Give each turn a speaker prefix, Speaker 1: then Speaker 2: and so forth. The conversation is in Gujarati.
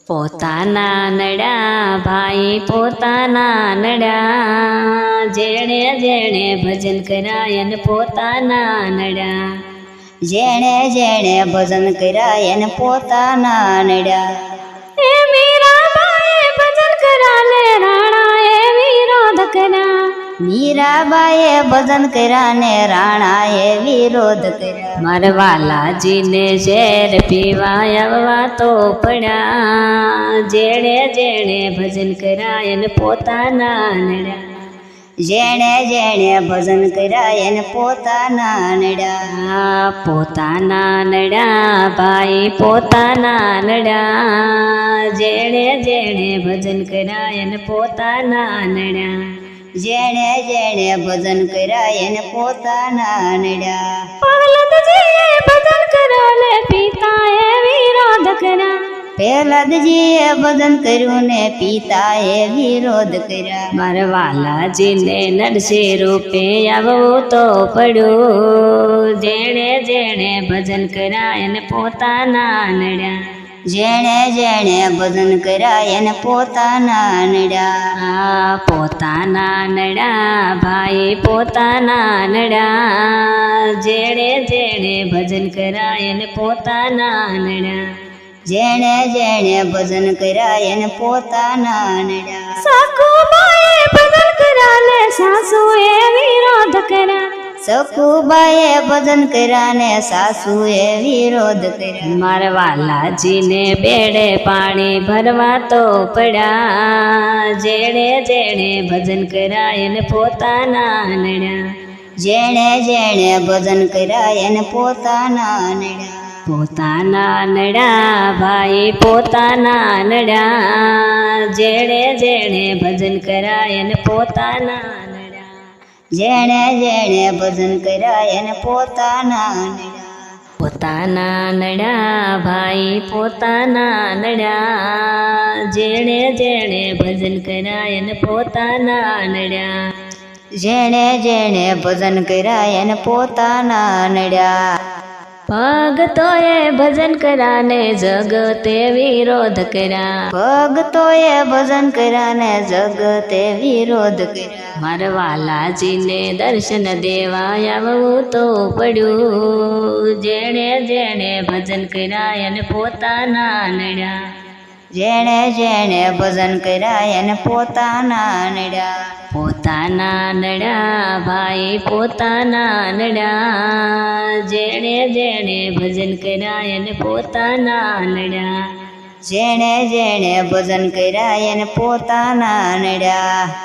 Speaker 1: પોતાના નડા ભાઈ પોતાના નડા, જેણે જેણે ભજન કરાય ને પોતાના નડા,
Speaker 2: જેણે જેણે ભજન કર્યા એને પોતાના નડ્યા.
Speaker 1: એ મીરાબાઈએ ભજન કરાને રાણાએ વિરોધ કર્યા,
Speaker 2: મીરાબાઈએ ભજન કર્યા ને રાણાએ વિરોધ કર્યા.
Speaker 1: મારા વાલાજીને ઝેર પીવા આવવા તો પડ્યા, જેણે જેણે ભજન કરાય ને પોતાના નડ્યા,
Speaker 2: જેણે જેણે ભજન કર્યા એને પોતાના નડ્યા.
Speaker 1: પોતાના નડા ભાઈ પોતાના નડા, જેણે જેણે ભજન કરાય ને પોતાના નડા,
Speaker 2: જેણે જેણે ભજન કર્યા એને પોતાના નડ્યા.
Speaker 1: પ્રહલાદજીએ ભજન કરાને પિતાએ વિરોધ કર્યા,
Speaker 2: પ્રહલાદજીએ ભજન કર્યું ને પિતાએ વિરોધ કર્યા.
Speaker 1: મારા વાલાજીને નરસિંહ રૂપે આવવું તો પડ્યું, જેણે જેણે ભજન કરાય ને પોતાના નડ્યા,
Speaker 2: જેણે જેણે ભજન કર્યા એને પોતાના નડ્યા.
Speaker 1: પોતાના નડા ભાઈ પોતાના નડા, જેણે જેણે ભજન કરાય ને પોતાના નડા,
Speaker 2: જેણે જેણે ભજન કર્યા એને પોતાના નડ્યા.
Speaker 1: સખુબાઈએ ભજન કર્યા ને સાસુએ વિરોધ કર્યા,
Speaker 2: સખુબાઈએ ભજન કર્યા ને સાસુએ વિરોધ કર્યા.
Speaker 1: મારા વાલાજીને બેડે પાણી ભરવા તો પડ્યા, જેણે જેણે ભજન કરાય ને પોતાના નડ્યા,
Speaker 2: જેણે જેણે ભજન કર્યા એને પોતાના નડ્યા.
Speaker 1: પોતાના નડા ભાઈ પોતાના નડા, જેણે જેણે ભજન કરાય ને પોતાના નડા,
Speaker 2: જેણે જેણે ભજન કર્યા એને પોતાના નડ્યા.
Speaker 1: પોતાના નડા ભાઈ પોતાના નડા, જેણે જેણે ભજન કરાય ને પોતાના નડા,
Speaker 2: જેણે જેણે ભજન કર્યા એને પોતાના નડ્યા.
Speaker 1: ભગતોએ ભજન કરાને જગતે વિરોધ કર્યા,
Speaker 2: ભગતોએ ભજન કર્યા ને જગતે વિરોધ કર્યા.
Speaker 1: મારા વાલાજીને દર્શન દેવા આવવું તો પડ્યું, જેણે જેણે ભજન કરાય ને પોતાના નડ્યા,
Speaker 2: જેણે જેણે ભજન કર્યા એને પોતાના નડ્યા.
Speaker 1: પોતાના નડા ભાઈ પોતાના નડા, જેણે જેણે ભજન કરાય ને પોતાના નડા,
Speaker 2: જેણે જેણે ભજન કર્યા એને પોતાના નડ્યા.